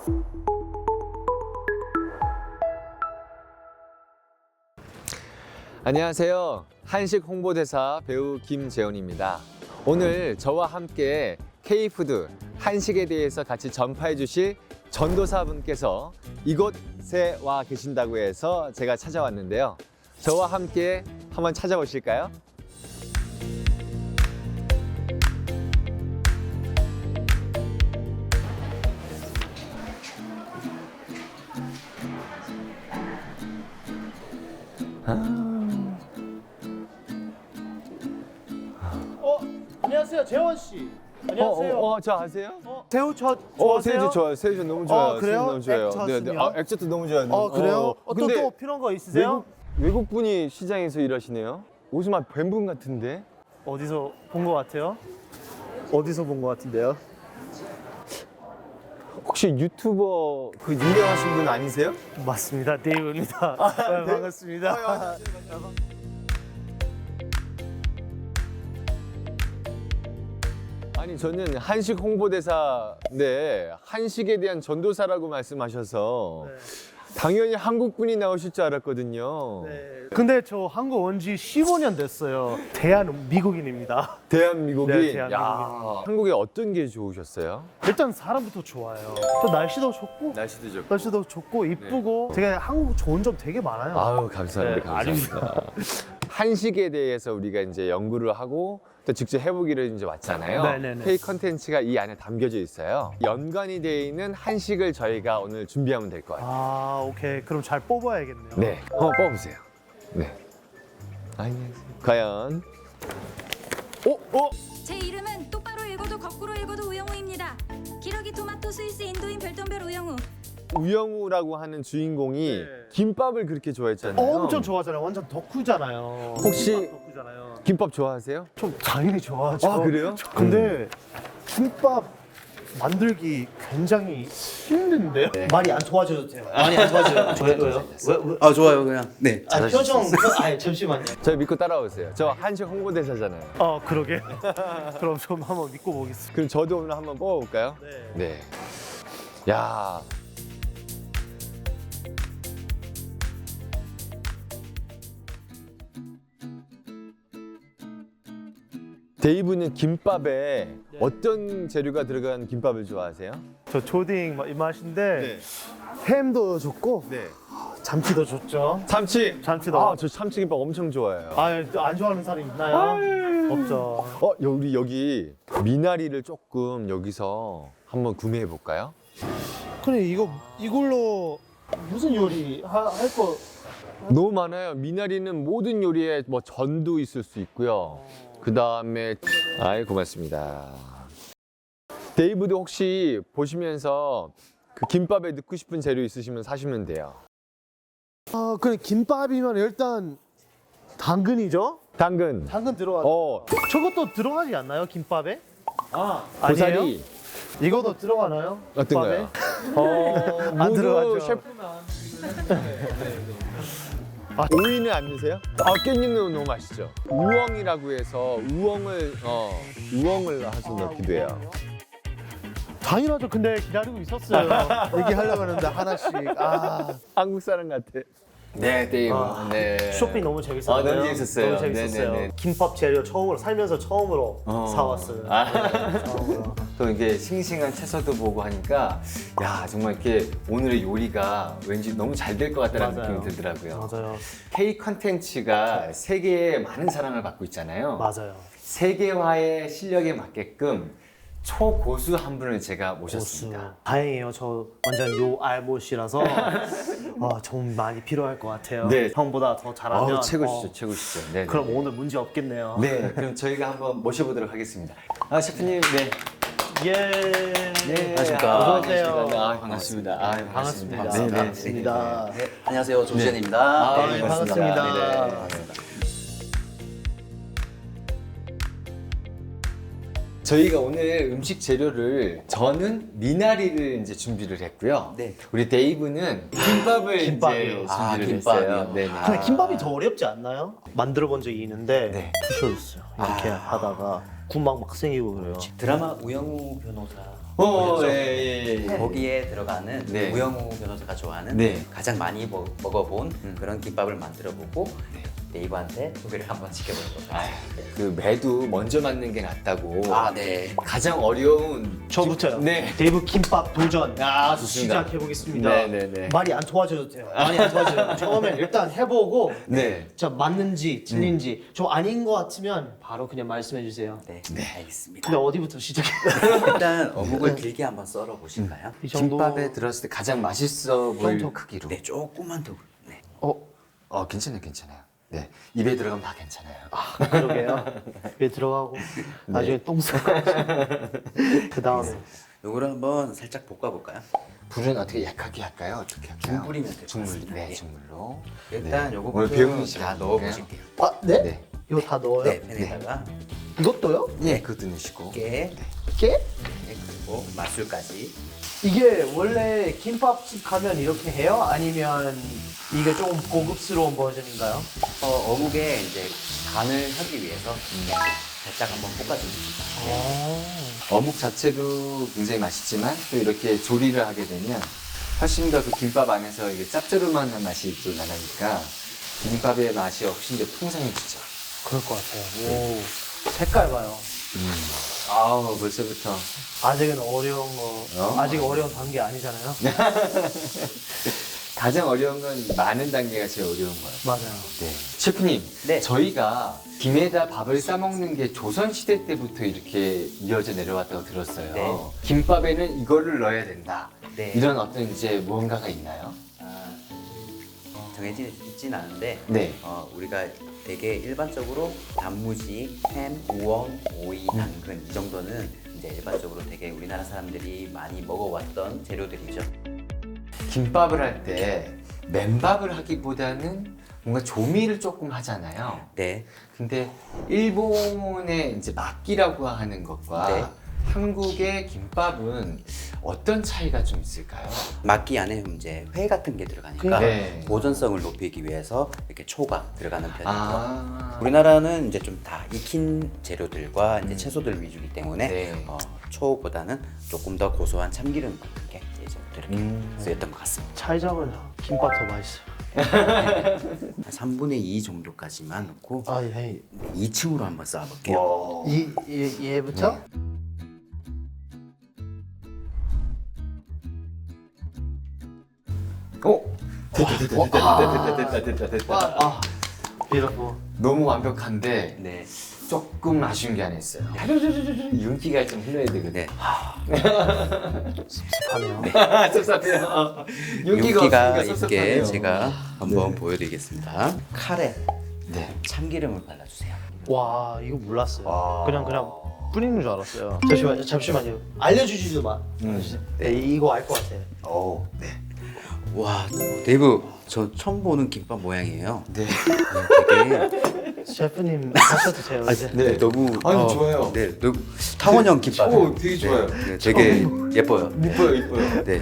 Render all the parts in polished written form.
안녕하세요. 한식 홍보대사 배우 김재훈입니다. 오늘 저와 함께 K푸드 한식에 대해서 같이 전파해 주실 전도사분께서 이곳에 와 계신다고 해서 제가 찾아왔는데요. 저와 함께 한번 찾아보실까요? 안녕하세요, 재원 씨. 안녕하세요. 저 아세요? 새우젓 좋아하세요? 새우젓 좋아요. 새우젓 너무 좋아요. 그래요? 새우젓 너무 좋아요. 액젓은요? 액젓도 너무 좋아요. 그래요? 근데 또 필요한 거 있으세요? 외국 분이 시장에서 일하시네요. 옷이 막 뵌분 같은데. 어디서 본 거 같아요? 어디서 본 거 같은데요? 혹시 유튜버 그 유명하신 분 아니세요? 맞습니다, 데이브입니다. 네, 반갑습니다. 아니 저는 한식 홍보대사인데 한식에 대한 전도사라고 말씀하셔서 당연히 한국 분이 나오실 줄 알았거든요. 네. 근데 저 한국 온 지 15년 됐어요. 대한민국인입니다. 대한민국이 네, 대한민국인. 야, 한국에 어떤 게 좋으셨어요? 일단 사람부터 좋아요. 또 날씨도 좋고, 날씨도 좋고. 이쁘고. 되게 한국 좋은 점 되게 많아요. 아유 감사합니다. 네, 감사합니다. 한식에 대해서 우리가 이제 연구를 하고 또 직접 해보기를 이제 왔잖아요. 네네네. K 컨텐츠가 이 안에 담겨져 있어요. 연관이 되어 있는 한식을 저희가 오늘 준비하면 될 것 같아요. 오케이. 그럼 잘 뽑아야겠네요. 네, 한번 뽑아보세요. 네. 안녕하세요. 과연 제 이름은 똑바로 읽어도 거꾸로 읽어도 우영우입니다. 기러기 토마토 스위스 인도인 별똥별 우영우. 우영우라고 하는 주인공이 네. 김밥을 그렇게 좋아했잖아요. 엄청 좋아하잖아요. 완전 덕후잖아요. 혹시 김밥 덕후잖아요. 김밥 좋아하세요? 좀 당연히 좋아하죠. 아, 그래요? 근데 김밥 만들기 굉장히 힘든데요? 말이 안 좋아져도 돼요. 많이 안 좋아져요. 왜요? 왜? 아 좋아요 그냥. 네. 표정. 잠시만요. 저 믿고 따라오세요. 저 한식 홍보대사잖아요. 그러게. 그럼 좀 한번 믿고 보겠습니다. 그럼 저도 오늘 한번 뽑아볼까요? 네. 네. 야. 데이브는 김밥에 어떤 재료가 들어간 김밥을 좋아하세요? 저 초딩 입맛인데 네. 햄도 좋고 참치도 좋죠. 참치도. 저 참치김밥 엄청 좋아해요. 안 좋아하는 사람 있나요? 없죠. 우리 여기 미나리를 조금 여기서 한번 구매해 볼까요? 그래 이걸로 무슨 요리 할 거? 너무 많아요. 미나리는 모든 요리에 뭐 전도 있을 수 있고요. 그 다음에 고맙습니다. 데이브도 혹시 보시면서 그 김밥에 넣고 싶은 재료 있으시면 사시면 돼요. 그래 김밥이면 일단 당근이죠? 당근, 당근 들어가. 저것도 들어가지 않나요 김밥에? 고사리, 아니에요? 이것도 들어가나요? 어떤 거요? 안 들어가죠. 셰프나. 오이는 안 넣으세요? 깻잎은 너무 맛있죠. 우엉이라고 해서 우엉을 해서 넣기도 해요. 당연하죠. 근데 기다리고 있었어요. 얘기하려고 했는데 하나씩. 한국 사람 같아. 네, 데이브. 네. 쇼핑 너무 재밌었어요. 너무 재밌었어요. 너무 재밌었어요. 네네네. 김밥 재료 살면서 처음으로 사왔어요. 네, 처음으로. 또 이게 싱싱한 채소도 보고 하니까 야 정말 이렇게 오늘의 요리가 왠지 너무 잘 될 것 같다는 맞아요. 느낌이 들더라고요. 맞아요. K 컨텐츠가 세계에 많은 사랑을 받고 있잖아요. 맞아요. 세계화의 실력에 맞게끔 초고수 한 분을 제가 모셨습니다. 다행이에요. 저 완전 요 알못이라서 좀 많이 필요할 것 같아요. 네. 형보다 더 잘하면. 최고시죠, 최고시죠. 네. 그럼 오늘 문제 없겠네요. 네, 그럼 저희가 한번 모셔보도록 하겠습니다. 셰프님, 네. 예. 네, 안녕하십니까. 어서 오세요. 반갑습니다. 반갑습니다. 네, 네. 반갑습니다. 네. 안녕하세요 조지현입니다. 네, 반갑습니다. 저희가 오늘 음식 재료를 저는 미나리를 이제 준비를 했고요. 네. 우리 데이브는 김밥을 김밥이요. 이제 준비를 김밥이요? 했어요. 네. 근데 김밥이 더 어렵지 않나요? 만들어 본 적이 있는데 네. 부셔졌어요. 이렇게 하다가 군막 막 생기고 그래요. 드라마 우영우 변호사 예. 거기에 들어가는 네. 우영우 변호사가 좋아하는 네. 가장 많이 먹어본 그런 김밥을 만들어보고 네이버한테 소개를 한번 시켜보는 거죠. 그 매도 먼저 맞는 게 낫다고. 네. 가장 어려운 저부터요. 네. 데이브 김밥 도전. 좋습니다. 시작해 보겠습니다. 네네네. 말이 안 좋아져도 돼요. 많이 안 좋아져요. 처음엔 일단 해보고 네. 자 맞는지 틀린지 좀 아닌 것 같으면 바로 그냥 말씀해 주세요. 네, 알겠습니다. 근데 어디부터 시작해? 일단 어묵을 길게 한번 썰어 보실까요? 이 정도. 김밥에 들었을 때 가장 맛있어 보일 정도. 크기로. 네, 조금만 더. 네. 괜찮아요. 네. 입에 들어가면 다 괜찮아요. 그러게요. 입에 들어가고 나중에 똥 싸고. 그 다음에 요거를 한번 살짝 볶아볼까요? 불은 어떻게 약하게 할까요? 어떻게 할까요? 중불이면 될것 중불. 같습니다. 네, 네. 중불로. 일단 네. 요거부터 오늘 배우는 다 시간 넣어보실게요. 네? 네. 이거 다 넣어요? 네, 팬에다가 이것도요? 네, 그것도 넣으시고. 깨, 깨? 네, 그리고 맛술까지. 이게 원래 김밥집 가면 이렇게 해요? 아니면 이게 조금 고급스러운 버전인가요? 어묵에 이제 간을 하기 위해서 살짝 한번 볶아줍니다. 어묵 자체도 굉장히 맛있지만 또 이렇게 조리를 하게 되면 훨씬 더 그 김밥 안에서 이게 짭조름한 맛이 또 나니까 김밥의 맛이 훨씬 더 풍성해지죠. 그럴 것 같아요. 오, 색깔 봐요. 아우, 벌써부터. 아직은 어려운 거, 아직 어려운 단계 아니잖아요. 가장 어려운 건 많은 단계가 제일 어려운 거예요. 맞아요. 네. 셰프님, 네. 저희가 김에다 밥을 싸먹는 게 조선시대 때부터 이렇게 이어져 내려왔다고 들었어요. 네. 김밥에는 이거를 넣어야 된다. 네. 이런 어떤 이제 무언가가 있나요? 정해져 있진 않은데 네. 우리가 되게 일반적으로 단무지, 햄, 우엉, 오이, 당근 이 정도는 이제 일반적으로 되게 우리나라 사람들이 많이 먹어왔던 재료들이죠. 김밥을 할 때 맨밥을 하기보다는 뭔가 조미를 조금 하잖아요. 네. 근데 일본의 이제 막기라고 하는 것과 네. 한국의 김밥은 어떤 차이가 좀 있을까요? 막기 안에 이제 회 같은 게 들어가니까 네. 보존성을 높이기 위해서 이렇게 초가 들어가는 편이고요. 아, 우리나라는 이제 좀 다 익힌 재료들과 이제 채소들 위주이기 때문에 네. 초보다는 조금 더 고소한 참기름 같은 게 이제 이렇게 쓰였던 것 같습니다. 차이점은 김밥 더 맛있어요. 한 3분의 2 정도까지만 넣고 아, 예. 2층으로 한번 쌓아볼게요. 얘부터? 됐다. beautiful. 너무 완벽한데 네. 조금 아쉬운 게 하나 있어요. 윤기가 좀 흘러야 되거든. 네. 습하네요. 섭섭해요. 윤기가 없으니까 있게 섭섭하네요. 제가 한번 보여드리겠습니다. 칼에 네. 참기름을 발라주세요. 와, 이거 몰랐어요. 와. 그냥 뿌리는 줄 알았어요. 잠시만요. 알려주지도 마. 네, 이거 알 것 같아. 오, 네. 와, 데이브, 저 처음 보는 김밥 모양이에요. 네. 되게 셰프님 하셔도 돼요. 이제. 네. 너무 아니, 좋아요. 네, 너무 탕원형 김밥. 오, 되게 좋아요. 네, 되게 예뻐요. 이뻐요, 이뻐요. 네.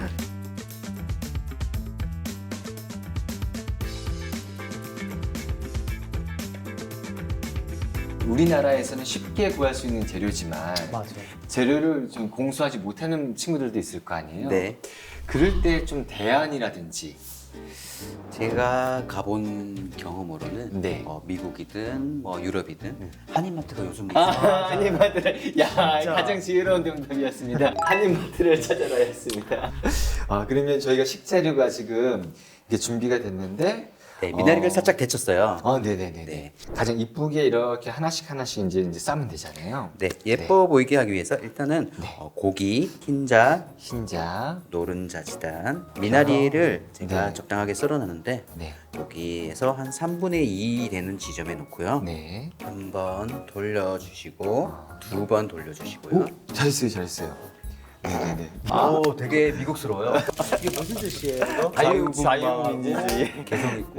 우리나라에서는 쉽게 구할 수 있는 재료지만 맞아요. 재료를 좀 공수하지 못하는 친구들도 있을 거 아니에요? 네. 그럴 때 좀 대안이라든지 제가 가본 경험으로는 네. 미국이든 뭐 유럽이든 한인마트가 요즘 한인마트를 가장 지혜로운 정답이었습니다. 한인마트를 찾아라 했습니다. 그러면 저희가 식재료가 지금 이게 준비가 됐는데 네, 미나리를 살짝 데쳤어요. 네네네. 네. 가장 이쁘게 이렇게 하나씩 이제 싸면 되잖아요. 네, 예뻐 보이게 하기 위해서 일단은 고기, 흰자, 흰자. 노른자지단, 미나리를 제가 네. 적당하게 썰어놨는데 네. 여기에서 한 3분의 2 되는 지점에 놓고요. 네. 한 번 돌려주시고 두 번 돌려주시고요. 잘했어요. 네네네. 오, 되게 미국스러워요. 이게 무슨 뜻이에요? 자유민주주의. 개성 있고.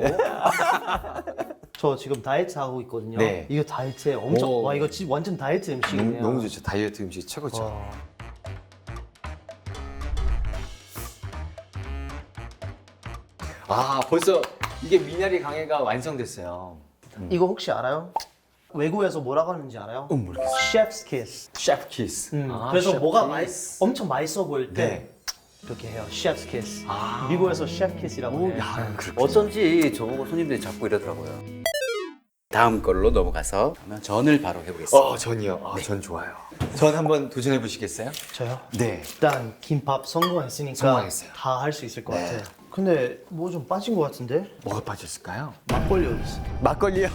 저 지금 다이어트 하고 있거든요. 네. 이거 다이어트에 엄청 오. 와 이거 진짜 완전 다이어트 음식이네요. 너무 좋죠. 다이어트 음식 최고죠. 벌써 이게 미나리 강해가 완성됐어요. 이거 혹시 알아요? 외국에서 뭐라고 하는지 알아요? 모르겠어요. Chef's kiss. 셰프 키스. 그래서 셰프 뭐가 키스. 엄청 맛있어 보일 때 네. 이렇게 해요. Chef's kiss. 미국에서 Chef kiss이라고 해요. 어쩐지 저보고 손님들이 자꾸 이러더라고요. 다음 걸로 넘어가서 그러면 전을 바로 해보겠습니다. 전이요. 전 좋아요. 전 한번 도전해 보시겠어요? 저요? 네. 일단 김밥 성공했으니까 성공했어요. 다 할 수 있을 것 네. 같아요. 근데 뭐 좀 빠진 것 같은데? 뭐가 빠졌을까요? 막걸리 어디 있어? 막걸리요.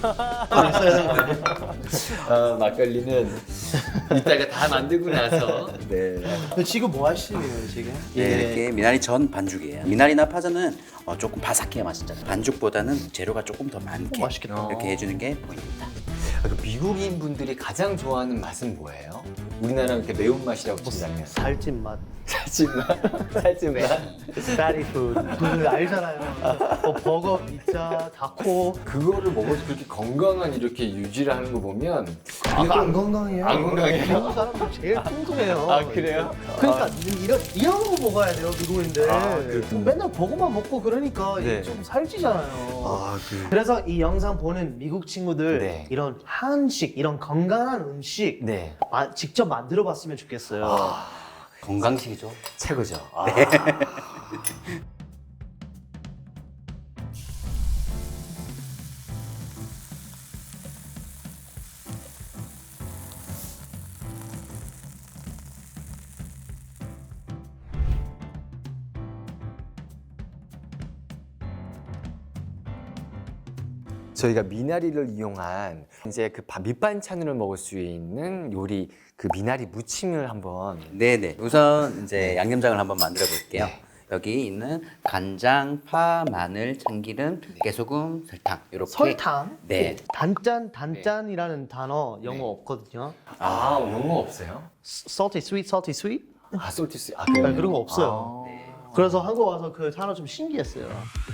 막걸리는 이따가 다 만들고 나서. 네. 근데 지금 뭐 하시는 거예요 지금? 네, 이렇게 미나리 전 반죽이에요. 미나리나 파전은 조금 바삭해야 맛있잖아요. 반죽보다는 재료가 조금 더 많게 맛있겠다. 이렇게 해주는 게 포인트입니다. 미국인 분들이 가장 좋아하는 맛은 뭐예요? 우리나라 이렇게 매운 맛이라고 친다면 살찐 맛. 살찐 맛, 살찐 맛. Fatty food. 그 알잖아요. 버거, 피자, 타코. 그거를 먹어서 그렇게 건강한 이렇게 유지를 하는 거 보면 이거 안 건강해요. 안 건강해요? 미국 사람들 제일 통통해요. 아, 그래요? 그러니까 이런 거 먹어야 돼요 미국인들. 그렇군요. 맨날 버거만 먹고 그러니까 네. 이게 좀 살찌잖아요. 그래서 이 영상 보는 미국 친구들 네. 이런 한식, 이런 건강한 음식 네. 직접 만들어봤으면 좋겠어요. 건강식이죠. 최고죠. 저희가 미나리를 이용한 이제 그 밑반찬으로 먹을 수 있는 요리 그 미나리 무침을 한번 네네. 우선 이제 양념장을 한번 만들어 볼게요. 네. 여기 있는 간장, 파, 마늘, 참기름, 깨소금, 설탕 이렇게. 설탕? 네. 단짠이라는 단어 영어 없거든요. 영어 없어요? salty sweet. 솔티스 네, 그런 거 없어요. 그래서 한국 와서 그 단어 좀 신기했어요.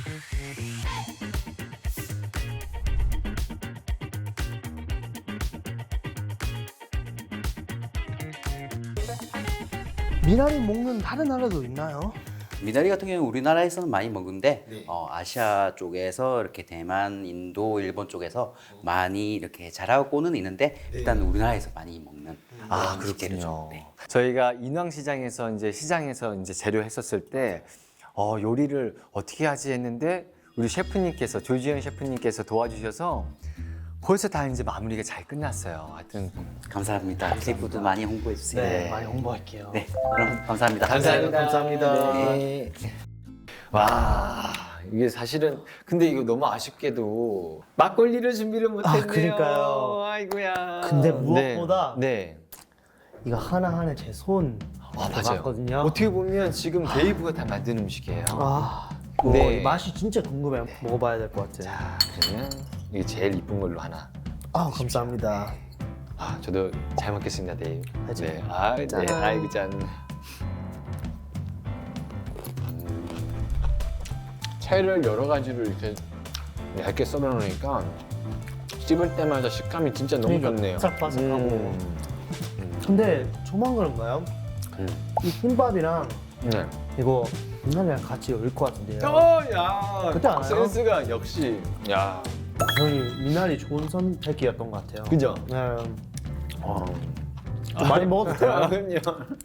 미나리 먹는 다른 나라도 있나요? 미나리 같은 경우는 우리나라에서는 많이 먹는데 네. 아시아 쪽에서 이렇게 대만, 인도, 일본 쪽에서 많이 이렇게 자라고는 있는데 일단 우리나라에서 많이 먹는 음식 재료죠. 네. 저희가 인왕시장에서 이제 시장에서 이제 재료 했었을 때 요리를 어떻게 하지 했는데 우리 셰프님께서 조지현 셰프님께서 도와주셔서 벌써 다 이제 마무리가 잘 끝났어요. 하여튼 감사합니다. K푸드 많이 홍보해 주세요. 네, 많이 홍보할게요. 네, 그럼 감사합니다. 감사합니다. 네. 와 이게 사실은 근데 이거 너무 아쉽게도 막걸리를 준비를 못했네요. 그러니까요. 아이고야. 근데 무엇보다 네. 이거 하나하나 제 손 맞아요. 들어갔거든요. 어떻게 보면 지금 데이브가 다 만든 음식이에요. 네. 맛이 진짜 궁금해요. 먹어봐야 될 것 같아요. 자 그러면 이게 제일 이쁜 걸로 하나. 감사합니다. 저도 잘 먹겠습니다, 데이브. 하죠. 네. 짠. 네. 아이고 짠. 채를 여러 가지를 이렇게 얇게 썰어 놓으니까 씹을 때마다 식감이 진짜 너무 좋네요. 바삭바삭하고. 근데 저만 그런가요? 이 김밥이랑 네. 이거 미나리랑 같이 어울릴 것 같은데요. 야. 그때 알아요? 센스가 역시. 야. 저희 미나리 좋은 선택이었던 것 같아요. 그죠? 네. 좀 많이 먹어도 돼요? 그럼요.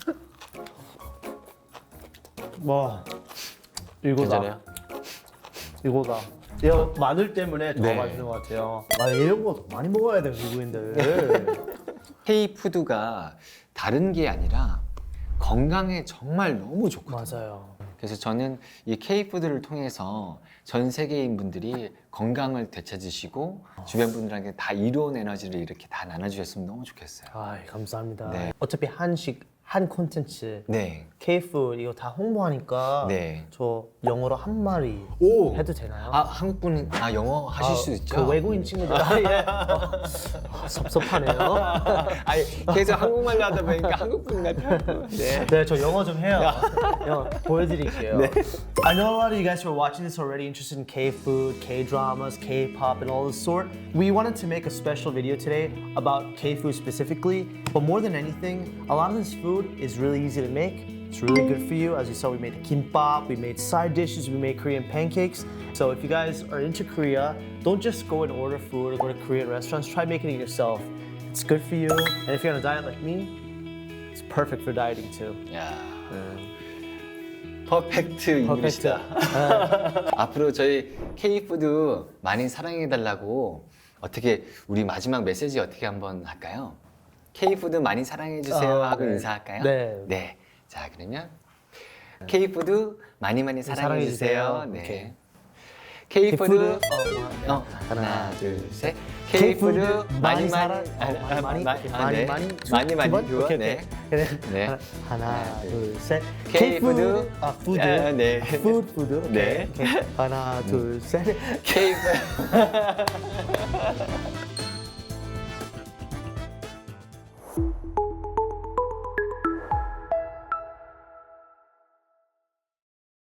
와, 이거다. 괜찮아요? 이거다. 이거 마늘 때문에 더 네. 맛있는 것 같아요. 이런 거 더 많이 먹어야 돼요, 미국인들. K푸드가 다른 게 아니라 건강에 정말 너무 좋거든요. 맞아요. 그래서 저는 이 K푸드를 통해서 전 세계인 분들이 건강을 되찾으시고 주변 분들에게 다 이로운 에너지를 이렇게 다 나눠주셨으면 너무 좋겠어요. 감사합니다. 네. 어차피 한식, 한 콘텐츠, 네. K푸드 이거 다 홍보하니까 네. 저 영어로 한 마리 오! 해도 되나요? 한국 분은 영어 하실 수 있죠? 그 외국인 친구들 섭섭하네요. 아니 계속 한국말로 하다 보니까 한국 분 같아요. 네. 네, 저 영어 좀 해요. 영어 보여드릴게요. I know a lot of you guys who are watching this already interested in K-food, K-dramas, K-pop, and all this sort. We wanted to make a special video today about K-food specifically, but more than anything, a lot of this food is really easy to make It's really good for you. As you saw, we made kimbap, we made side dishes, we made Korean pancakes. So if you guys are into Korea, don't just go and order food or go to Korean restaurants. Try making it yourself. It's good for you. And if you're on a diet like me, it's perfect for dieting too. 야, 퍼펙트 잉글리시다. 앞으로 저희 K푸드 많이 사랑해달라고 어떻게 우리 마지막 메시지 어떻게 한번 할까요? K푸드 많이 사랑해주세요 하고 네. 인사할까요? 네. 자, 그러면 K푸드 많이 많이 사랑해주세요. 사랑해주세요. 네. 오케이. K푸드 하나, 둘, 셋. K푸드 K푸드 많이 많이 사랑, 많이 많이 많이 많이 줘. 오케이, 네. 그래. 네. 하나, 둘, 셋. K푸드. 푸드. 아, 네. 푸드. 네. 오케이. 하나, 둘, 셋. K푸드